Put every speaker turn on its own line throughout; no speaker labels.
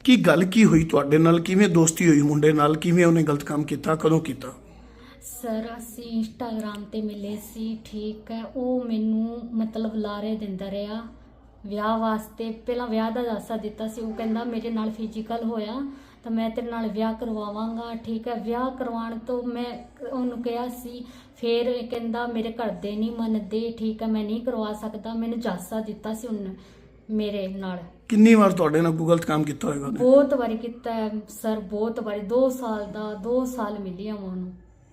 ਕੀ ਗੱਲ ਕੀ ਹੋਈ ਤੁਹਾਡੇ ਨਾਲ? ਕਿਵੇਂ ਦੋਸਤੀ ਹੋਈ ਮੁੰਡੇ ਨਾਲ? ਕਿਵੇਂ ਉਹਨੇ ਗਲਤ ਕੰਮ ਕੀਤਾ? ਕਦੋਂ ਕੀਤਾ?
ਸਰ ਅਸੀਂ ਇੰਸਟਾਗ੍ਰਾਮ ਤੇ ਮਿਲੇ ਸੀ, ਠੀਕ ਹੈ। ਉਹ ਮੈਨੂੰ ਮਤਲਬ ਲਾਰੇ ਦਿੰਦਾ ਰਿਹਾ ਵਿਆਹ ਵਾਸਤੇ। ਪਹਿਲਾਂ ਵਿਆਹ ਦਾ ਦਾਸਾ ਦਿੱਤਾ ਸੀ। ਉਹ ਕਹਿੰਦਾ ਮੇਰੇ ਨਾਲ ਫਿਜ਼ੀਕਲ ਹੋਇਆ ਤਾਂ ਮੈਂ ਤੇਰੇ ਨਾਲ ਵਿਆਹ ਕਰਵਾਵਾਂਗਾ, ਠੀਕ ਹੈ। ਵਿਆਹ ਕਰਵਾਉਣ ਤੋਂ ਮੈਂ ਉਹਨੂੰ ਕਿਹਾ ਸੀ, ਫਿਰ ਇਹ ਕਹਿੰਦਾ ਮੇਰੇ ਘਰ ਦੇ ਨਹੀਂ ਮੰਨਦੇ, ਠੀਕ ਹੈ, ਮੈਂ ਨਹੀਂ ਕਰਵਾ ਸਕਦਾ। ਮੈਨੂੰ ਦਾਸਾ ਦਿੱਤਾ ਸੀ ਉਹਨੇ ਮੇਰੇ ਨਾਲ।
ਕਿੰਨੀ ਵਾਰ ਤੁਹਾਡੇ ਨਾਲ ਕੋਈ ਗਲਤ ਕੰਮ ਕੀਤਾ ਹੋਏਗਾ ਉਹਨੇ?
ਬਹੁਤ ਵਾਰੀ ਕੀਤਾ ਹੈ ਸਰ, ਬਹੁਤ ਵਾਰੀ। 2 ਸਾਲ ਦਾ 2 ਸਾਲ ਮਿਲੀ ਆ ਉਹਨੂੰ।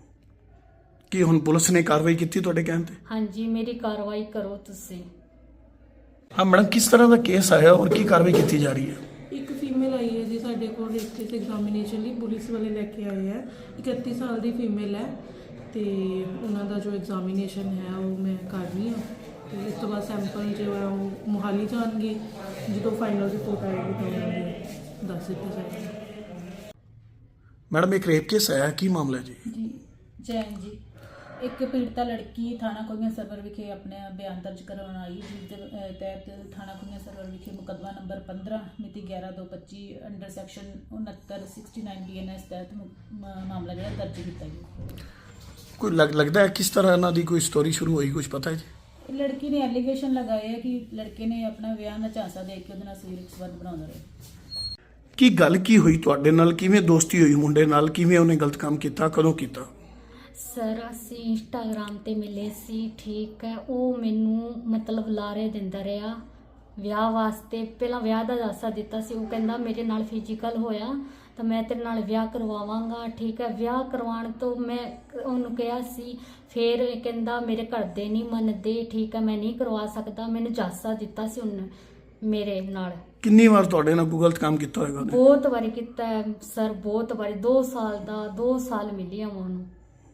ਕੀ ਹੁਣ ਪੁਲਿਸ ਨੇ ਕਾਰਵਾਈ ਕੀਤੀ ਤੁਹਾਡੇ ਕਹਿਣ ਤੇ?
ਹਾਂਜੀ, ਮੇਰੀ ਕਾਰਵਾਈ ਕਰੋ ਤੁਸੀਂ।
ਹਾਂ ਮੈਡਮ, ਕਿਸ ਤਰ੍ਹਾਂ ਦਾ ਕੇਸ ਆਇਆ ਔਰ ਕੀ ਕਾਰਵਾਈ ਕੀਤੀ ਜਾ ਰਹੀ ਹੈ?
ਇੱਕ ਫੀਮੇਲ ਆਈ ਹੈ ਜੀ ਸਾਡੇ ਕੋਲ ਰੇਸਟਿਸ ਐਗਜ਼ਾਮੀਨੇਸ਼ਨ ਲਈ, ਪੁਲਿਸ ਵਾਲੇ ਲੈ ਕੇ ਆਏ ਹੈ। 31 ਸਾਲ ਦੀ ਫੀਮੇਲ ਹੈ ਤੇ ਉਹਨਾਂ ਦਾ ਜੋ ਐਗਜ਼ਾਮੀਨੇਸ਼ਨ ਹੈ ਉਹ ਮੈਂ ਕਰ ਰਹੀ ਹਾਂ ਤੇ ਇਸ ਤੋਂ ਬਾਅਦ ਸੈਂਪਲ ਜੋ ਹੈ ਉਹ ਮੋਹਾਲੀ ਜਾਣਗੇ। ਜਦੋਂ ਫਾਈਨਲ ਰਿਪੋਰਟ ਆਏਗੀ ਤਾਂ ਉਹਨਾਂ ਦੇ ਦੱਸ ਦਿੱਤਾ ਜਾਏਗਾ।
ਮੈਡਮ, ਇੱਕ ਰੇਪ ਕੇਸ ਆਇਆ, ਕੀ ਮਾਮਲਾ ਹੈ ਜੀ?
ਜੀ ਜੈਨ ਜੀ, ਇੱਕ ਪੀੜਤਾ ਲੜਕੀ ਥਾਣਾ ਕੁੜੀਆਂ ਸਰਵਰ ਵਿਖੇ ਆਪਣੇ ਬਿਆਨ ਦਰਜ ਕਰਵਾਉਣ ਆਈ, ਜਿਸ ਦੇ ਤਹਿਤ ਥਾਣਾ ਕੁੜੀਆਂ ਸਰਵਰ ਵਿਖੇ ਮੁਕੱਦਮਾ ਨੰਬਰ 15 ਮਿਤੀ 11/2/25 ਅੰਡਰ ਸੈਕਸ਼ਨ 6969 BNS ਤਹਿਤ ਮਾਮਲਾ ਜਿਹੜਾ ਦਰਜ ਕੀਤਾ ਗਿਆ।
ਕੋਈ ਲੱਗਦਾ ਹੈ ਕਿਸ ਤਰ੍ਹਾਂ ਇਹਨਾਂ ਦੀ ਕੋਈ ਸਟੋਰੀ ਸ਼ੁਰੂ ਹੋਈ, ਕੁਝ ਪਤਾ ਹੈ ਜੀ?
ਲੜਕੀ ਨੇ ਐਲੀਗੇਸ਼ਨ ਲਗਾਏ ਹੈ ਕਿ ਲੜਕੇ ਨੇ ਆਪਣਾ ਵਿਆਹ ਦਾ ਝਾਂਸਾ ਦੇ ਕੇ ਉਹਦੇ ਨਾਲ ਸਰੀਰਕ ਸੰਬੰਧ ਬਣਾਉਂਦਾ ਰਿਹਾ।
ਕੀ ਗੱਲ ਕੀ ਹੋਈ ਤੁਹਾਡੇ ਨਾਲ? ਕਿਵੇਂ ਦੋਸਤੀ ਹੋਈ ਮੁੰਡੇ ਨਾਲ? ਕਿਵੇਂ ਉਹਨੇ ਗਲਤ ਕੰਮ ਕੀਤਾ? ਕਦੋਂ ਕੀਤਾ?
ਸਰ ਅਸੀਂ ਇੰਸਟਾਗ੍ਰਾਮ ਤੇ ਮਿਲੇ ਸੀ, ਠੀਕ ਹੈ। ਉਹ ਮੈਨੂੰ ਮਤਲਬ ਲਾਰੇ ਦਿੰਦਾ ਰਿਹਾ ਵਿਆਹ ਵਾਸਤੇ। ਪਹਿਲਾਂ ਵਿਆਹ ਦਾ ਦਾਸਾ ਦਿੱਤਾ ਸੀ। ਉਹ ਕਹਿੰਦਾ ਮੇਰੇ ਨਾਲ ਫਿਜ਼ੀਕਲ ਹੋਇਆ ਤਾਂ ਮੈਂ ਤੇਰੇ ਨਾਲ ਵਿਆਹ ਕਰਵਾਵਾਂਗਾ, ਠੀਕ ਹੈ। ਵਿਆਹ ਕਰਵਾਉਣ ਤੋਂ ਮੈਂ ਉਹਨੂੰ ਕਿਹਾ ਸੀ, ਫਿਰ ਇਹ ਕਹਿੰਦਾ ਮੇਰੇ ਘਰ ਦੇ ਨਹੀਂ ਮੰਨਦੇ, ਠੀਕ ਹੈ, ਮੈਂ ਨਹੀਂ ਕਰਵਾ ਸਕਦਾ। ਮੈਨੂੰ ਦਾਸਾ ਦਿੱਤਾ ਸੀ ਉਹਨੇ ਮੇਰੇ ਨਾਲ।
ਕਿੰਨੀ ਵਾਰ ਤੁਹਾਡੇ ਨਾਲ ਕੋਈ ਗਲਤ ਕੰਮ ਕੀਤਾ ਹੋਏਗਾ ਉਹਨੇ?
ਬਹੁਤ ਵਾਰੀ ਕੀਤਾ ਹੈ ਸਰ, ਬਹੁਤ ਵਾਰੀ। 2 ਸਾਲ ਦਾ 2 ਸਾਲ ਮਿਲੀ ਆ ਉਹਨੂੰ।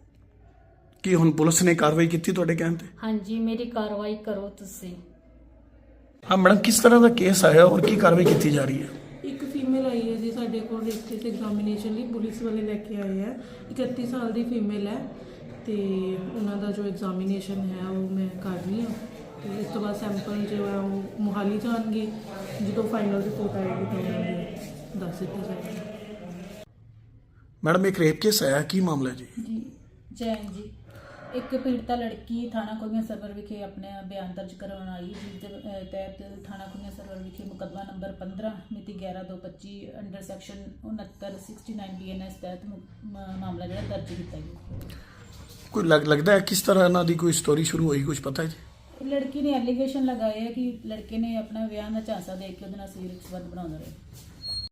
ਕੀ ਹੁਣ ਪੁਲਿਸ ਨੇ ਕਾਰਵਾਈ ਕੀਤੀ ਤੁਹਾਡੇ ਕਹਿਣ ਤੇ?
ਹਾਂਜੀ, ਮੇਰੀ ਕਾਰਵਾਈ ਕਰੋ ਤੁਸੀਂ।
ਹਾਂ ਮੈਡਮ, ਕਿਸ ਤਰ੍ਹਾਂ ਦਾ ਕੇਸ ਆਇਆ ਔਰ ਕੀ ਕਾਰਵਾਈ ਕੀਤੀ ਜਾ ਰਹੀ ਹੈ?
ਇੱਕ ਫੀਮੇਲ ਆਈ ਹੈ ਜੀ ਸਾਡੇ ਕੋਲ ਰੇਸਟਿਸ ਐਗਜ਼ਾਮੀਨੇਸ਼ਨ ਲਈ, ਪੁਲਿਸ ਵਾਲੇ ਲੈ ਕੇ ਆਏ ਹੈ। 31 ਸਾਲ ਦੀ ਫੀਮੇਲ ਹੈ ਤੇ ਉਹਨਾਂ ਦਾ ਜੋ ਐਗਜ਼ਾਮੀਨੇਸ਼ਨ ਹੈ ਉਹ ਮੈਂ ਕਰ ਰਹੀ ਹਾਂ ਤੇ ਇਸ ਤੋਂ ਬਾਅਦ ਸੈਂਪਲ ਜੋ ਹੈ ਉਹ ਮੋਹਾਲੀ ਜਾਣਗੇ। ਜਦੋਂ ਫਾਈਨਲ ਰਿਪੋਰਟ ਆਏਗੀ ਤਾਂ ਉਹਨਾਂ ਦੇ ਦੱਸ ਦਿੱਤਾ ਜਾਏਗਾ।
ਮੈਡਮ, ਇੱਕ ਰੇਪ ਕੇਸ ਆਇਆ, ਕੀ ਮਾਮਲਾ ਹੈ ਜੀ?
ਜੀ ਜੈਨ ਜੀ, ਇੱਕ ਪੀੜਤਾ ਲੜਕੀ ਥਾਣਾ ਕੁੜੀਆਂ ਸਰਵਰ ਵਿਖੇ ਆਪਣੇ ਬਿਆਨ ਦਰਜ ਕਰਵਾਉਣ ਆਈ, ਜਿਸ ਦੇ ਤਹਿਤ ਥਾਣਾ ਕੁੜੀਆਂ ਸਰਵਰ ਵਿਖੇ ਮੁਕੱਦਮਾ ਨੰਬਰ 15 ਮਿਤੀ 11/2/25 ਅੰਡਰ ਸੈਕਸ਼ਨ 6969 BNS ਤਹਿਤ ਮਾਮਲਾ ਜਿਹੜਾ ਦਰਜ ਕੀਤਾ ਗਿਆ।
ਕੋਈ ਲੱਗਦਾ ਹੈ ਕਿਸ ਤਰ੍ਹਾਂ ਇਹਨਾਂ ਦੀ ਕੋਈ ਸਟੋਰੀ ਸ਼ੁਰੂ ਹੋਈ, ਕੁਝ ਪਤਾ ਹੈ ਜੀ?
ਲੜਕੀ ਨੇ ਐਲੀਗੇਸ਼ਨ ਲਗਾਏ ਹੈ ਕਿ ਲੜਕੇ ਨੇ ਆਪਣਾ ਵਿਆਹ ਦਾ ਝਾਂਸਾ ਦੇ ਕੇ ਉਹਦੇ ਨਾਲ ਸਰੀਰਕ ਸੰਬੰਧ ਬਣਾਉਂਦਾ ਰਿਹਾ।